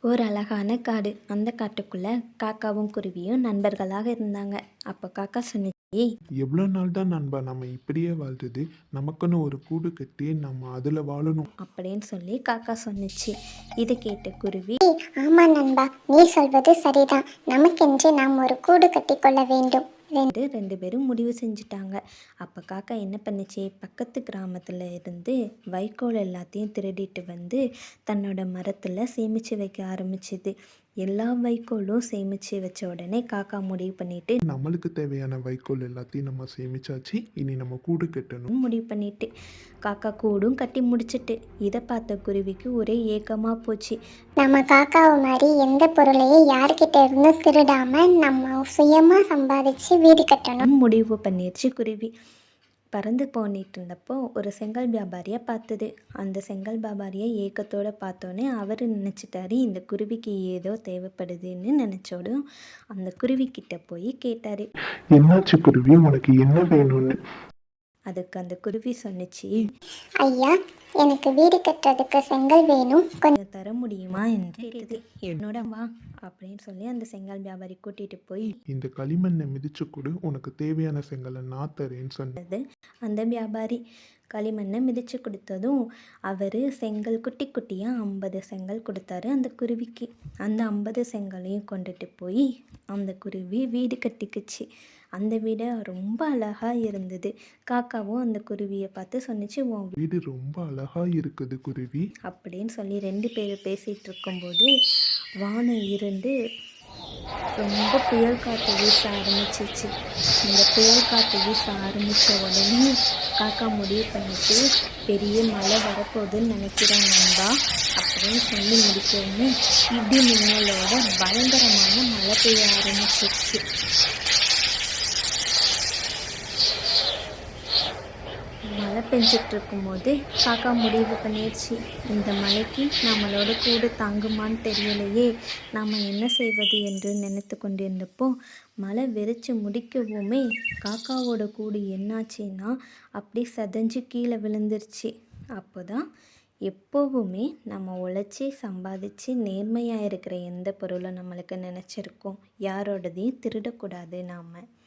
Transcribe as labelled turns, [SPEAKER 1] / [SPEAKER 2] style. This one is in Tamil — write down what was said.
[SPEAKER 1] ஒரு அழகான காடு. அந்த காட்டுக்குள்ள காக்காவும் குருவியும் நண்பர்களாக இருந்தாங்க. அப்போ காக்கா சொன்னுச்சு,
[SPEAKER 2] எவ்வளோ நாள் தான் நண்பா நம்ம இப்படியே வாழ்றது? நமக்குன்னு ஒரு கூடு கட்டி நம்ம அதில் வாழணும்.
[SPEAKER 1] அப்படின்னு சொல்லி காக்கா சொன்னுச்சு. இதை கேட்ட குருவி,
[SPEAKER 3] ஆமா நண்பா, நீ சொல்வது சரிதான். நமக்கென்று நாம் ஒரு கூடு கட்டிக்கொள்ள வேண்டும்.
[SPEAKER 1] ரெண்டு பேரும் முடிவு செஞ்சுட்டாங்க. அப்போ காக்கா என்ன பண்ணுச்சு, பக்கத்து கிராமத்தில் இருந்து வைக்கோல் எல்லாத்தையும் திருடிட்டு வந்து தன்னோட மரத்தில் சேமித்து வைக்க ஆரம்பிச்சுது. எல்லா வைக்கோலும் சேமித்து வச்ச உடனே காக்கா முடிவு பண்ணிட்டு
[SPEAKER 2] நம்மளுக்கு தேவையான வைக்கோல் எல்லாத்தையும் நம்ம சேமிச்சாச்சு. இனி நம்ம கூடு கட்டணும்.
[SPEAKER 1] முடிவு பண்ணிட்டு காக்கா கூடும் கட்டி முடிச்சிட்டு. இதை பார்த்த குருவிக்கு ஒரே ஏக்கமாக போச்சு.
[SPEAKER 3] நம்ம காக்காவை மாதிரி எந்த பொருளையும் யார்கிட்ட இருந்தும் திருடாம நம்ம சுயமா சம்பாதிச்சு வீடு கட்டணும்.
[SPEAKER 1] முடிவு பண்ணிடுச்சு குருவி. பறந்து போனிட்டு இருந்தப்போ ஒரு செங்கல் வியாபாரியை பார்த்தது. அந்த செங்கல் வியாபாரியை ஏக்கத்தோடு பார்த்தோன்னே அவர் நினச்சிட்டாரு, இந்த குருவிக்கு ஏதோ தேவைப்படுதுன்னு நினச்சோடும் அந்த குருவிக்கிட்ட போய் கேட்டார்,
[SPEAKER 2] என்னாச்சு குருவி, உனக்கு என்ன வேணும்னு?
[SPEAKER 1] அதுக்கு அந்த குருவி சொன்னிச்சு,
[SPEAKER 3] ஐயா, எனக்கு வீடு கட்டுறதுக்கு செங்கல் வேணும், கொஞ்சம்
[SPEAKER 1] தர முடியுமா என்று கேட்டது. என்னோட வா அப்படின்னு சொல்லி அந்த செங்கல் வியாபாரி கூட்டிகிட்டு போய்
[SPEAKER 2] இந்த களிமண்ணை மிதிச்சு கொடு, உனக்கு தேவையான செங்கலை நான் தரேன்னு சொன்னது.
[SPEAKER 1] அந்த வியாபாரி களிமண்ணை மிதித்து கொடுத்ததும் அவர் செங்கல் குட்டி குட்டியாக 50 செங்கல் கொடுத்தாரு அந்த குருவிக்கு. அந்த 50 செங்கலையும் கொண்டுட்டு போய் அந்த குருவி வீடு கட்டிக்குச்சு. அந்த வீடு ரொம்ப அழகாக இருந்தது. காக்காவும் அந்த குருவியை பார்த்து சொன்னிச்சு, உன்
[SPEAKER 2] வீடு ரொம்ப அழகா இருக்குது குருவி
[SPEAKER 1] அப்படின்னு சொல்லி 2 பேரும் பேசிகிட்டு இருக்கும்போது வானம் இருந்து ரொம்ப புயல் காற்று வீச ஆரம்பிச்சிச்சு. இந்த புயல் காற்று வீச ஆரம்பித்த உடனே காக்கா முடிவு பண்ணிட்டு, பெரிய மழை வரப்போகுதுன்னு நினைக்கிறேன் நண்பா அப்படின்னு சொல்லி முடிக்கவுமே இடி மின்னலோட பயங்கரமான மழை பெய்ய ஆரம்பிச்சிருச்சு. மழை பெஞ்சிட்டு இருக்கும்போது காக்கா முடிவு பண்ணிடுச்சு, இந்த மழைக்கு நம்மளோட கூடு தாங்குமான்னு தெரியலையே, நாம் என்ன செய்வது என்று நினைத்து கொண்டிருந்தப்போ மழை வெறிச்சு முடிக்கவுமே காக்காவோட கூடு என்னாச்சுன்னா அப்படி சதஞ்சு கீழே விழுந்துருச்சு. அப்போ தான் எப்போவுமே நம்ம உழைச்சி சம்பாதிச்சு நேர்மையாக இருக்கிற எந்த பொருளும் நம்மளுக்கு நினச்சிருக்கோம், யாரோடதையும் திருடக்கூடாது நாம்.